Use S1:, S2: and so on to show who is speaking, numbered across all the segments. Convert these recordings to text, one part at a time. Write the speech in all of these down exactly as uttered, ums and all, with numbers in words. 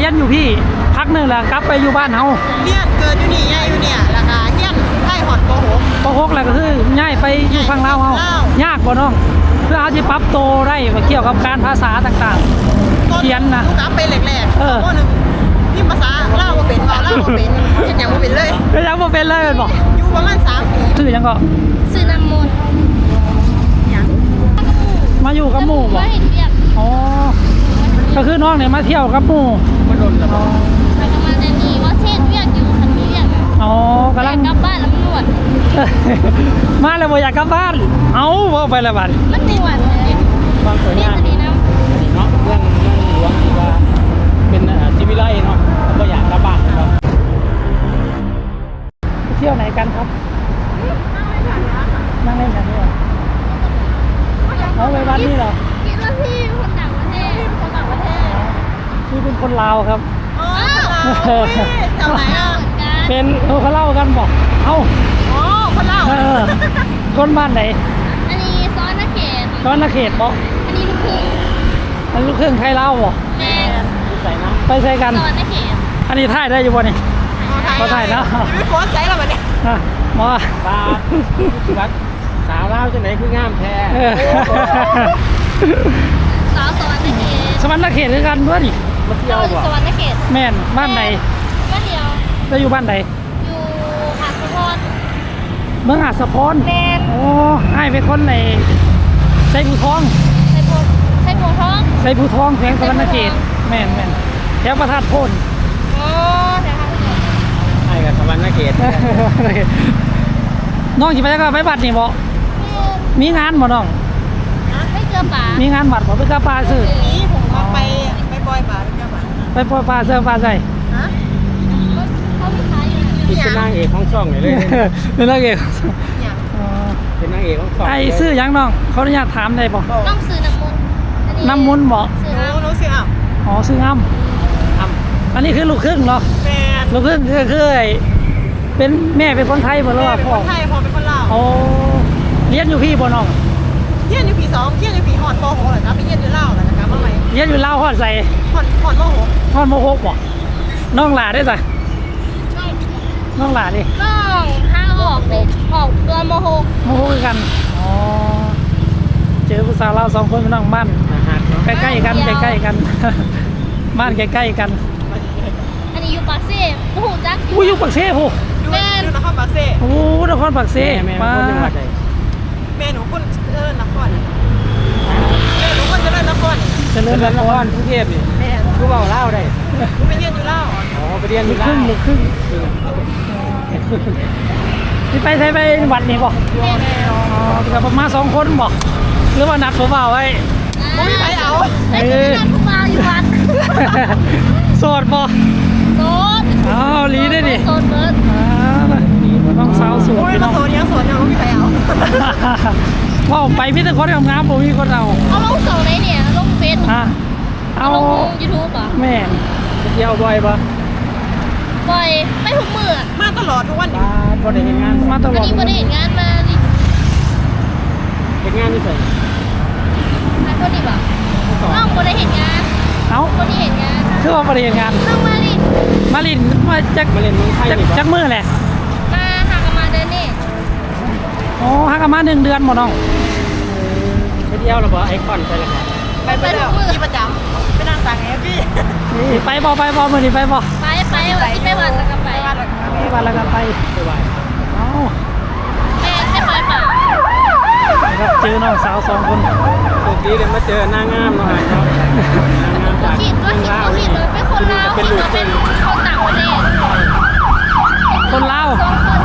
S1: รียนอยู่พี่พักหนึ่งแหละกลับไปอยู่บ้านเฮา
S2: เรียนเกิดอยู่นี่ย้ายอยู่เนี่ยราคาเรียนไทยหอดปหก
S1: ปหกแล้วก็คือย้ายไปอยู่ฝั่งลาวเฮายากบ่น้องเพื่อเอาที่ปรับโตได้เกี่ยวกับการภาษาต่างๆเขียนนะ
S2: กลับไปแรกๆเออหนึ่งพิมพ์ภาษาลาวบ่เป็นว่าลาวบ่เป็นเฮ็ดหยังบ่เป็นเลย
S1: เฮ็ดหยังบ่เป็นเลยแม่นบ่
S2: อยู่ประมาณสามปี
S1: ชื่อหยังก็
S3: ชื่อน้ำมนต์หยัง
S1: มาอยู่กับหมู่บ่อ๋อก็คือน้องเนี่ยมาเที่ยวกับหมู่
S2: มาโดนแล้ว
S3: แล้วก็มาแต่นี่ว่าเช่นเวียกอยู่คันนี้เวียก
S1: อ๋อกำลัง
S3: กลับบ้านแล้วมันหนวด
S1: มาแล้วบ่อยากกลับบ้านเอ้าบ่ไปแล้วบัด
S3: มันหนวดเลย
S1: บางคน
S3: เนี่ยนี่นะ
S1: นี่เนาะเรื่องเรื่องหลวงที่ว่าเป็นชีวิไลเนาะบ่อยากกลับบ้านครับเที่ยวไหนกันครับนั่งเล่นกันนี่เหรอเอาไปวัดนี่เหรอ
S3: คิดว่าพี่คนต่างประเทศคนต่างประเทศ
S1: พี่เป็นคนลาวครับ
S2: อ๋อจำไหนอ่ะ
S1: เป็นเออเขาเล่ากันบอกเอ้า
S2: อ๋อคนเล่า
S1: คนบ้านไหน
S3: อันนี้ซ้อนนาเขต
S1: ซ้อนนาเขตบอก
S3: อันนี้ลูกครึ่ง
S1: อันลูกครึ่งไทยเล่าบอก
S3: แม่
S1: ใส่นะไปใส่กัน
S3: ซ้อนนาเขต
S1: อันนี้ถ่ายได้อยู่บ่นี่เขาถ่ายนะ
S2: ไม่โพสใส่แล้วมันเนี่ย
S1: มา
S4: ปลาวัดสาวเล่าจังไหนคืองามแท้
S3: สาวสวรรค์นาเขต
S1: สวรรค์นาเขตคือกันด้วยนี่
S4: มาเที่ยวบ่
S3: สวรรค์นาเขต
S1: แม่นบ้านไหน
S3: บ้านเดียว
S1: จะอยู่บ้านไหน
S3: อยู่หาดสะพอน
S1: เมืองหาดสะพอน
S3: แม่น
S1: โอ้ให้เป็นคนในไซบูทอง
S3: ไซบูไซบูทอง
S1: ไซบูทองแขวงสวรรค์นาเขตแม่นแม่นแถวประทัดโพน
S3: โอ้แถว
S4: ไอ้กับสวรรค์นาเขต
S1: น้องจิไปแล้วก็ไปบัตรนี่บ่มีงานบ่น้อง
S3: ไม่เจอป่า
S1: มีงานบัตรบ่ไปกับป่าซื้อ
S2: นี้ผมมาไปไปบอยป่าไปกับป่า
S1: ไปปล่อยป่าเสื้อป่าใส่
S2: ฮะ
S3: เขาไม่ขายอยู่
S4: ที่เป็นนางเอกของช่องเลยเลย
S1: เป็นนางเอก
S4: เป็นนางเอกของช่อง
S1: ไอ้ซื้อยังน้องเขาอนุญาตถามได้บ่
S3: ต้องซื้อน้ำมัน
S1: น้ำมันบ่
S2: น้องซื้ออ่ะ
S1: อ๋อซื้ออ้ำอ้ำอันนี้คือลูกครึ่งเนาะ
S2: แม่
S1: ลูกครึ่งคือคือเป็นแม่เป็นคนไทยบ่หรือว่าพ่อ
S2: ไทยพ่อเป็นคนลาว
S1: โอ้เรียนอยู่พี่บ่น้อง
S2: เรียนอยู่ปีสองเรียนอยู่ปีหอดปหกเหรอครับไปเรียนอยู่ลาวเหรอนะครับว่าไง
S1: เรียนอยู่ลาวฮอดใส่
S2: หอดหอดมหก
S1: ฮอดมหกบ่น้องหลาได้จ้ะน้องหลาดิ
S3: น้องห้าออกเลยออกตัวมหก
S1: มหกกันอ๋อเจอผู้สาวลาวสองคนน้องบ้านใกล้ๆกันใกล้ๆกันบ้านใกล้ๆกัน
S3: อันนี้อยู่ปากเซ่โอ้โหจัก
S1: อู้อยู่ปากเซ่โห
S2: แม่นครปากเซ่
S1: โอ้นครปากเซ่มา
S2: แม่หนูคนเจริญนครแม่หนูคนเจริญนคร
S1: เจริญนคร
S4: กรุงเทพนี่
S2: แม่
S4: คือเบาเล่าได้
S2: ไปเรียนอยู่เล่า
S4: อ๋อไปเรียนอยู่
S1: ครึ่งลูกครึ่งที่ไปใช้ไปวัดนี่บ่อ๋อกับประมาณสองคนบ่หรือว่านัดผมเอาไว้
S2: ไม่มีใครเอา
S3: ไอ้ที่นัดผมเอาอยู่วัด
S1: โสดบ่
S3: โสด
S1: อ้าวลีได้ดิ
S3: โสดเบิร์ด
S1: อ่าต้องสาวสวย
S2: พี่น้องโสดยังโสดยังไม่มีใครเอา
S1: ว่าไปพี่ตะคนงามๆผมมีคนเอา
S3: เอาลงเสาไหนเนี่ยลงเฟซ
S1: อ่ะเอา
S3: ลงยูทูบอ่ะ
S1: แม่
S4: ไปเที่ยวบ่อยปะ
S3: บ่อยไม่ทุกมื้อ
S2: มาตลอดทุกวัน
S4: มาพอได้เห็นงาน
S1: มาตลอด
S3: อันนี้บ่ได้เห็นงานมาดิ
S4: เห็นงานนี่ใส่
S3: มาคนนี้บ่น้องบ่ได้เห็นงาน
S1: เอ้า
S3: คนนี้เห็นงาน
S1: คือว่าบ่ได้เห็นงาน
S3: น้องมาลิน
S1: มาลินมาจาก
S4: มาเล่นเมืองไทยนี่
S1: จักมื้อแหละ
S3: มาหากันมาเดือนนี้
S1: อ๋อหากันมาหนึ่งเดือนบ่น้อง
S4: ไปเที่ยวแล้วบ่ไอคอนใช่แล้วครับ
S2: ไปไปแล้วที่ประจำไปนั่งต่างแอฟพี่
S1: นี่ไปบ่ไปบ่มื้อนี้ไปบ่
S3: ไปไปวันที่ไปวันแล้วก็ไป
S1: วันแล้วก็ไป
S4: ไปไหว้
S1: เอ้า
S3: แม่ไม่ไปป่ะ
S1: ครับเจอน้องสาวสองคน
S4: โชคดีเลยมาเจอนางงามเนาะครับนางงามจาก
S3: คิดว่าคิดว่าคิดว่าเป็นคนลาวคิดว่าเป็นคนต่างประเทศ
S1: คนลาว
S3: สองคน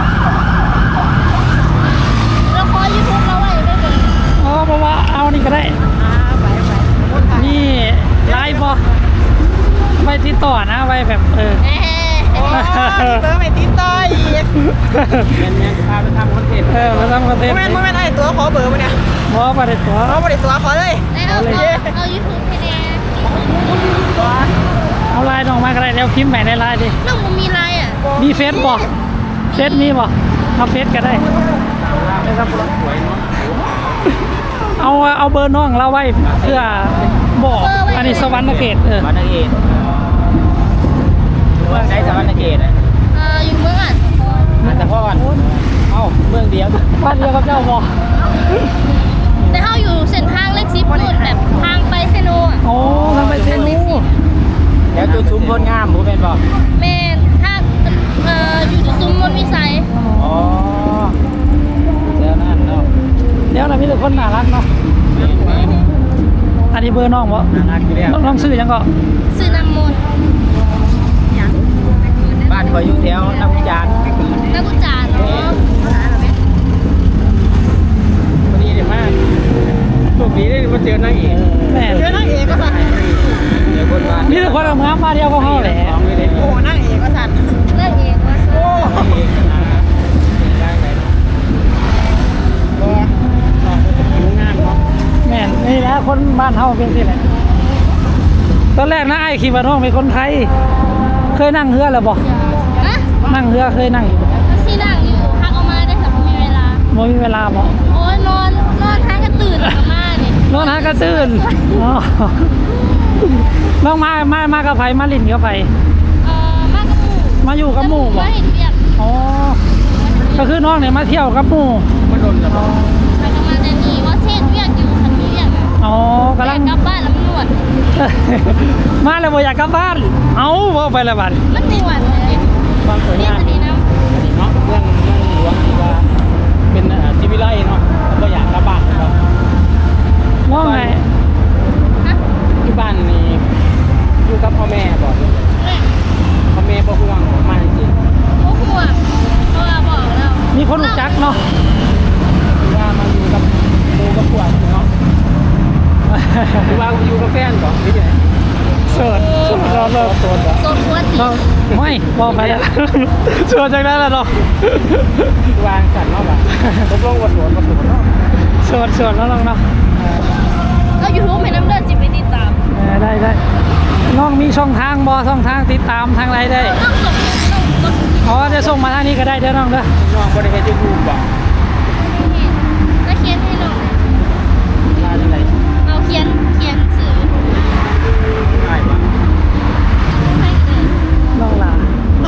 S3: เราคอยยูทูบเราไว้ได้เลย
S1: อ๋อเพราะว่าเอานี่ก็ได้
S2: ไปไป
S1: นี่ไลฟ์บ่ไปติดต่อนะไว้แบบเออ
S2: เบอร์ไม่ติดต่ออีก
S4: แม่นแม่นจะพาไปทำคอนเทนต์
S1: เออมาทำคอนเทนต์
S2: แม่นแม่นไอ้ตัวขอเบอร์มาเนี่ย
S1: บอประเด็นตัว
S2: เอาประเด็นตัวขอเลย
S3: เอาเอายูทูบให้แน่
S1: เอาไลน์น้องมาก็ได้เดี๋ยวพิมพ์ใหม่ในไลน์ดิ
S3: น้องมันมีไลน์อ่ะ
S1: มีเฟซบ่เฟซมีบ่เอาเฟซก็ได้นะครับเอาเอาเบอร์น้องเราไว้เพื่อบอกอันนี้สวรรค์เขตเออ
S4: สวรรค์เขตเมืองไหนสวรรณเขตอ่ะ
S3: เอ่ออยู่เมืองอ่ะ
S4: อันตะพอนเอ้าเมืองเดียว
S1: บ้านเดียวกับเจ้าบ่
S3: แต่เขาอยู่เส้นทางเลขสิบนู่นแบบทางไปเซโนอ่ะ
S1: โอ้ทางไปเซนู
S4: เดี๋ยวจุดชุมพลงามบ่แม่นบ่
S3: แม่นถ้าเอ่ออยู่จุดซุ้มมนต์วิสัย
S4: อ๋อเจ้านั่นเนาะ
S1: เดี๋ยวนะมีแต่คนน่ารักเนาะอันนี้เบอร์น้องบ่
S4: น่ารักอยู่แล้ว
S1: น้องซื้อยังก็
S3: ซื้อน้ำมนต์
S4: บ้านก็อยู่แถวน้ำจาน
S3: นักกุจานเนาะ
S4: พอดีเดี๋ยวมาโชคดีได้มาเจอนางเอก
S1: แม่
S2: เจอนางเอกก็สั่น
S4: เดี๋ยวคนบ้าน
S1: มีแต่คนงามมาเดียวก็เฮาแหละ
S4: ของเลยเด้
S2: โอ้นางเอกก็สั่น
S3: เลิกเองว่าซื้อ
S4: นางเอกนะได้ไหนเนาะก็น้องก็จะผิวงามเนาะ
S1: แม่นนี่แหละคนบ้านเฮาเป็นสิแหละตอนแรกนะไอ้คิดว่าน้องเป็นคนไทย เคยนั่งเรือแล้วบ่
S3: นะ
S1: นั่งเรือเคยนั่งอยู่บ่
S3: ซีนั่งอยู่พักออกมาได้แต่ไม่มีเวลา
S1: บ่มีเวลาบ่
S3: โอ้ยนอนนอนท้ายก็ตื่นแล้วก็มาเนี่ย
S1: นอนหากระตื่นอ๋อน้องมามามากับไผมาลิ้นกับไผ
S3: เอ่อมากกับหมู่
S1: มาอยู่กับหมู่บ่
S3: มาเห็นเวียก
S1: อ๋อก็คือน้องเนี่ยมาเที่ยวกับหมู่
S4: มาโดนแล้ว
S1: อ๋อ
S3: ไปกันมาแต่นี่ว่าเช่นเวียกอยู่คันมีเวียกอะ
S1: อ๋อกำลัง
S3: อยากกลับบ้านแล้วมันหนวด
S1: มาแล้วบ่อยากกลับบ้าน เอ้าบ่ไปแล้วบัด
S3: มันไม่หวานเลย
S4: ความสวย
S3: นี่
S4: งาม
S3: ตัวนี้นะ
S4: เนาะเมืองเมืองหลวงที่ว่าเป็นอ่าชีวิไลเนาะก็อยากกลับบ้านเนาะ
S1: น้องไง
S3: ฮะ
S4: ที่บ้านนี่อยู่กับพ่อแม่บอก
S3: แม่
S4: พ่อแม่บ่ห่วงมาจริง
S3: โอ้ห่วงเพราะว่าบอกแล้ว
S1: มีคนรู้จักเนาะ
S4: ๆคือว่ามาอยู่กับหมู่กับพวกเนาะคือว่าอยู่กับแฟนก่อนหรือยังไง
S1: เสิร์ชเสิร์ชเราเรา
S4: โสดบ่
S3: โซนหัวตี
S1: เราไม่บ่ไปแล้วเสิร์ชจากนั้นแล้วเนาะ
S4: คือวางสั่นเนาะบ่ตกลงว่าโสดบ่โสดเนาะ
S1: เสิร์ชเสิร์ชแล้วน้องเนาะ
S3: แล้วยูทูบให้น้ำเลือดจิบไปติดตาม
S1: เออได้ได้น้องมีช่องทางบ่ช่องทางติดตามทางไรได้
S3: ต้องส่งต้องกด
S1: อ๋อจะส่งมาทางนี้ก็ได้เด้อน้องเด้อ
S4: น้องบ่ได้เฮ็ด YouTube บ่
S3: แล้วเขียนให้หน่อย
S4: ลาจังได๋
S3: เอาเขียนเขียนสื่อ
S4: ได้บ่
S3: ให้เลย
S1: น้องลา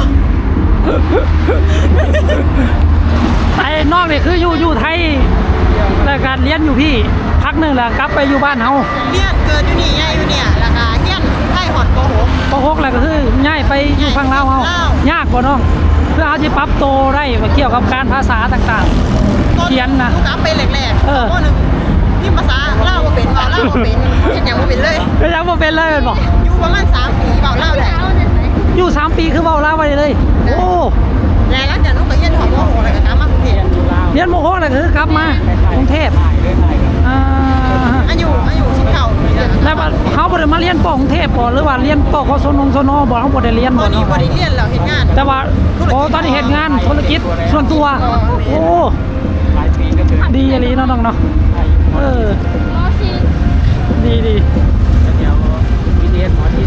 S1: ไอ้น้องนี่คืออยู่อยู่ไทยแต่การเรียนอยู่พี่พักหนึงแล้วกลับไปอยู่บ้านเฮา
S2: เลี้ยงเกิดอยู่นี่ย่ายอยู่เนี่ยราคาเฮี้ยนไข่หอดโกหก
S1: ปหกแล้วก็คือย้ายไปอยู่ฝั่งลาวเฮา
S2: ลาว
S1: ยากบ่น้องเพื่อเอาสิปรับโตวได้ว่าเกี่ยวกับการภาษาต่าง เขียนนะ
S2: ลูกค้าไปแรกๆ
S1: เออ
S2: ข้อหนึ่งพิมพ์ภาษาเล่าวบ่เป็นเบาเล่าวบ่เป็นเห็นอย่างบ่เป็นเลย
S1: ๆก็ยังบ่เป็นเลยแม่นบ่
S2: อยู่ประมาณสามปีเบาเล่าวได้
S3: เอาได้ไหม
S1: อยู่สามปีคือเว้าลาวไว้เลย โอ้
S2: แล้วหลังจากนั้นก็เฮี้ยนหอดโกหกอะไรก็กลับมากรุงเทพ
S4: อยู่ลาว
S1: เรียนมหกแล้วก็คือกลับมากรุงเทพ
S4: ถ่ายเลยถ่ายกัน
S1: อ่า
S2: อายุอายุสิบเก้าปีแล้ว
S1: แล้วว่าเขาบ่ได้มาเรียนปกรุงเทพบ่หรือว่าเรียนปกสนงสนบ่เขาบ่ได้เรียน
S2: ต
S1: บ่
S2: อนนี้
S1: เนาะ
S2: บ่ได้เรียนแล้วเห็นงาน
S1: แต่ว่าโอ้ตอนนี้เฮ็ดงานธุรกิจส่วนตัว โอ้
S4: หลายปีก็ถึง
S1: ดีอีหลีเนาะน้องเนาะ
S4: ถ่าย
S1: เออ
S3: มอซี
S1: ดีดี
S4: เดี๋ยววิดีโอหมอที่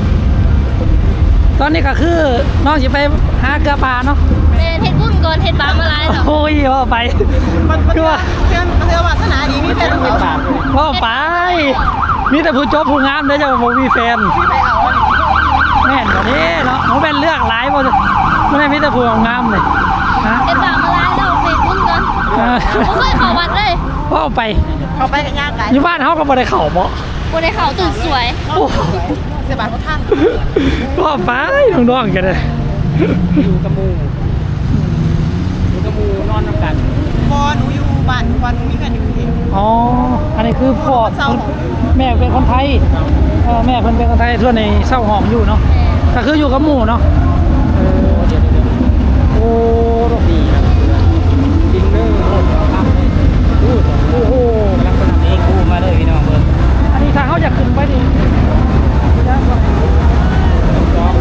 S1: ตอนนี้ก็คือน้องสิไปหาเกลือปลาเนาะ
S3: เป็นเทศบุญก่อนเทศบามาลายหรอ
S1: โอ้ยว่าไป
S2: มันมัน
S1: คือว่า
S2: เพื่อนเพื่อนวาสนาดีมีแฟน
S4: ไม่
S2: เขา
S4: ปากเลย
S1: ว่าไป มีแต่ผู้จบผู้งามเด้อจะบ่มีแฟน
S2: ที่ไปเอา
S1: แม่นบ่นี้เนาะเขาเป็นเลือกหลายบ่บ่ได้มีแต่ผู้งามเลยฮะ
S3: เทศบามาลายเราเทศบุญก่อน
S1: เออ
S3: ผมเคยเข้าวัดเลย
S1: ว่าไป
S2: เขาไปกันยากไกล
S1: อยู่บ้านเฮาก็บ่ได้เข้าบ่
S3: บนในเขาตื่นสวย
S1: โอ้
S2: เสียบาทเขาท่าน
S1: ว่าไปน้องๆกันเลย
S4: อยู่กับหมูอยู่กับหมูนอนน้ำกัน
S2: พอหนูอยู่บ้านหนูวันหนูมีกันอยู่กรุงเทพ
S1: อ๋อ อันนี้คือพ่อ
S2: เศร้าหอม
S1: แม่เป็นคนไทยเออแม่เพิ่นเป็นคนไทยส่วนในเศร้าหอมอยู่เนาะ ก็คืออยู่กับหมู่เนาะเออ
S4: เดี๋ยวเดี๋ยว
S1: โอ้
S4: ดีครับดินเนอร์โคตรทำเลยอู้
S1: โอ้โห
S4: กำลังเป็นเองกูมาเลยพี่น้องเบิร์
S1: อันนี้ทางเขาอยากขึ้นไปดิย้ายก่อน
S4: จอง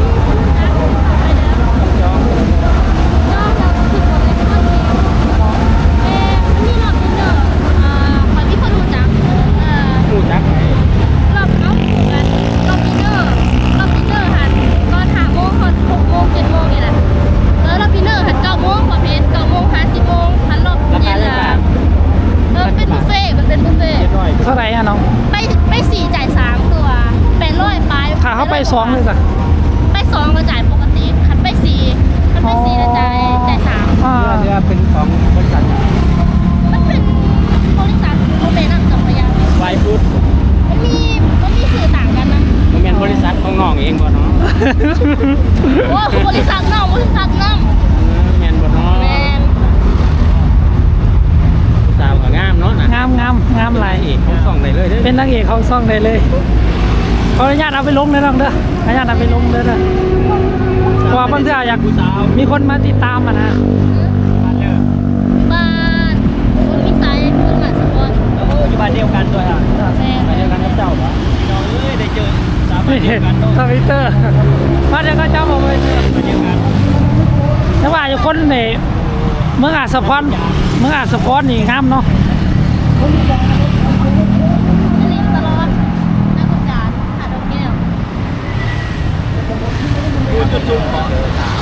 S4: จอง
S3: นอกจากคือคนในครอบครัวเอ่อมีรอบดินเนอร์อ่าขอที่คนรู้จักเอ่อ
S4: หมูจักไหน
S3: รอบเอ้ารอบดินเนอร์รอบดินเนอร์หันตอนห้าโมงตอนหกโมงเจ็ดโมงนี่แหละแล้วรอบดินเนอร์หันเก้าโมงประเภทเก้าโมงห้าสิบโมงหันรอบ
S4: รา
S3: เย็
S4: คาน เท่า
S3: ละ
S4: ไหร่
S3: เออเป็นบุฟเฟ่ต์มันเป็นบุฟเฟ่ต์
S4: เจ็ดร้อย
S1: เท่าไหร่อะน้อง
S3: ไปไปสี่จ่ายสามตัวแปดร้อยไป
S1: ถ้าเขาไปสองเลยจ้ะ
S3: ไปสองก็จ่ายปกติมันเป็นสีละจ่ายจ่ายสาม
S1: อ่า
S4: เรือเป็นของบริษัท
S3: มันเป็นบริษัทโมเมนต์จำพยา
S4: ไวฟูด
S3: มันมีมันมีสื่อต่างกันนะ
S4: มันเป็นบริษัทของน้องเองบ่เนาะ
S3: โอ้คือบริษัทน้องบริษัทน้
S4: แมนบ่เนาะ
S3: ำแมน
S4: สาวก็งามเนาะนะ
S1: งามงามงามหลาย
S4: เอกของส่องได้เลยเด้อ
S1: เป็นนางเอกเขาซ่องได้เลยขออนุญาตเอาไปลงเลยน้องเด้อขออนุญาตเอาไปลงเด้อเด้อเพราะว่าบางทีอยาก
S4: ผู้สาว
S1: มีคนมาติดตามอ่ะนะ
S4: บ้านเด้อ
S3: บ้านคุณวิสัยคุณหมาสปอน
S4: โอ้อยู่บ้านเดียวกันด้วยอ่ะ
S3: แมน
S4: บ้านเดียวกันกับเจ้าปะน้องเอ้ยได้เจอสาวบ้าน
S1: นี่
S4: เดียวกันเนาะ
S1: ทวิตเตอร์มาเดี๋ยวก็เจ้าบอกเลย
S4: บ้านเดียวกัน
S1: แต่ว่าอยู่คนในเมืองอาจสะพอนเมืองอาจสะพอนนี่งามเนาะ
S3: จะลิงตลอดนักกุจารหาดอกแก้ว
S4: ดูจุดสูงของ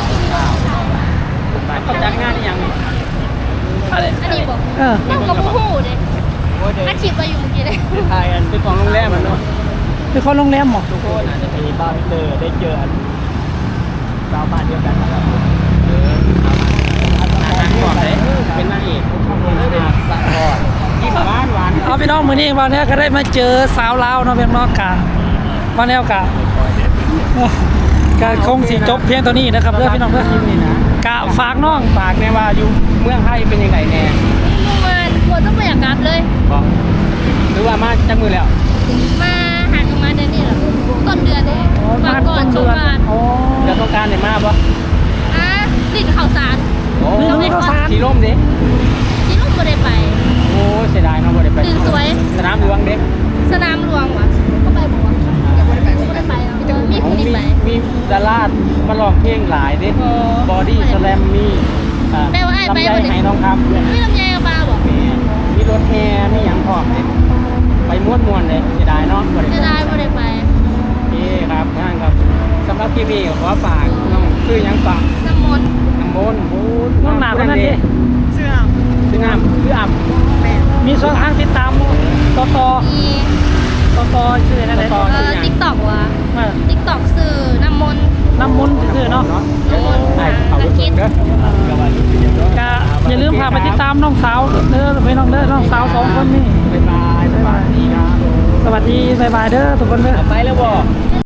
S4: บ้านเขาจัดงานอีหยังนี่
S1: อะไร
S3: อันนี้บอก
S1: เออ
S3: นั่งกับผู้หูเด้
S4: โอ้ยเดี๋ยว
S3: อาชีพไปอยู่เมื่อกี้เลย
S4: ทายอันเป็นของโรงแรมมันเนาะ
S1: เป็นคนโรงแรมหมอ
S4: ทุกคนอาจจะมีบ้านเจอได้เจออันสาวบ้านเดียวกันนะครับเออสาวบ้านอาหารก่อนเลยเป็นนางเอกอาสะพอดยิ้มหวานหวาน
S1: เอาพี่น้องมือนี้วันนี้ก็ได้มาเจอสาวลาวเนาะเพียงนอกกะวันนี้กะกะคงสิจบเพียงตัวนี้นะครับเด้อพี่น้องเด้อ
S4: นี่นะ
S1: กะฝากน้อง
S4: ฝากแน่ว่าอยู่เมืองไทยเป็นยังไงแน่
S3: เมื่อวานควรต้องไปอยากกลับเลย
S4: บอกหรือว่ามาจักมือแล้ว
S3: มาหากันมาเดือนนี้เหรอต้นเดือนเลยมาก่อนสงกรานต์
S1: โอ้
S4: เดี๋ยวต้องการเนี่ยมาปะ
S3: อ่ะลิ้นข่าวสาร
S4: โอ้
S3: เราไม่เข้าสาร
S4: สีร่มดิ
S3: ที่ลูกบ่ได้ไป
S4: โอ้เสียดายเนาะบ่ได้ไป
S3: ตื่นสวย
S4: สนามหลวงเด็ก
S3: สนามหลวงวะก็ไปบอกว่าบ่ได้ไปบ่ได้ไปเออมีผู้
S4: มี
S3: ที่ไป
S4: มีดารามาลองเพลงหลายเด็ก
S3: อ๋อบ
S4: อดี้สแลมมีอ่า
S3: แปลว่าไอ้ไป
S4: ลำ
S3: บ่
S4: ไย
S3: ได้
S4: ไหน้องคำเพื่อน
S3: ไม่ลำไยกับปลาบอก
S4: มีมีรถแฮมีหยังพร้อมเลยไปม้วนมวนๆเลยเสียดายเนาะบ่ได้
S3: จะ
S4: ไป
S3: ได้บ่ได้ไป
S4: โอเคครับงานครับสำหรับคลิปนี้ขอฝากน้องชื่อหยังฝาก
S3: น้ำมนต์
S4: น้ำมนต์โอ้
S1: น้องหนาคนนั้นดิ
S2: เสื้อ
S4: ชื่องามชื่ออ่ำ
S2: แม่
S1: มีช่องทางติดตามต่อต่อ
S3: มี
S1: ต่อต่อชื่ออะไรนะ
S4: ต่อ
S3: เอ่อ TikTok วะ
S1: ว่า
S3: TikTok สื่อน้ำมนต์
S1: น้ำมนต์ชื่อเนาะ
S4: เดี๋ยวให้เขาไปเบิ่งเด้อก็ว่าอยู่ที่เดียวเด้
S1: ก็อย่าลืมพาไปติดตามน้องสาวเด้อพี่น้องเด้อน้องสาวสองคนนี่
S4: บ๊ายบายสวัสดีครับ
S1: สวัสดีบ๊ายบายเด้อทุกคนเด้อ
S4: ไปแล้วบ่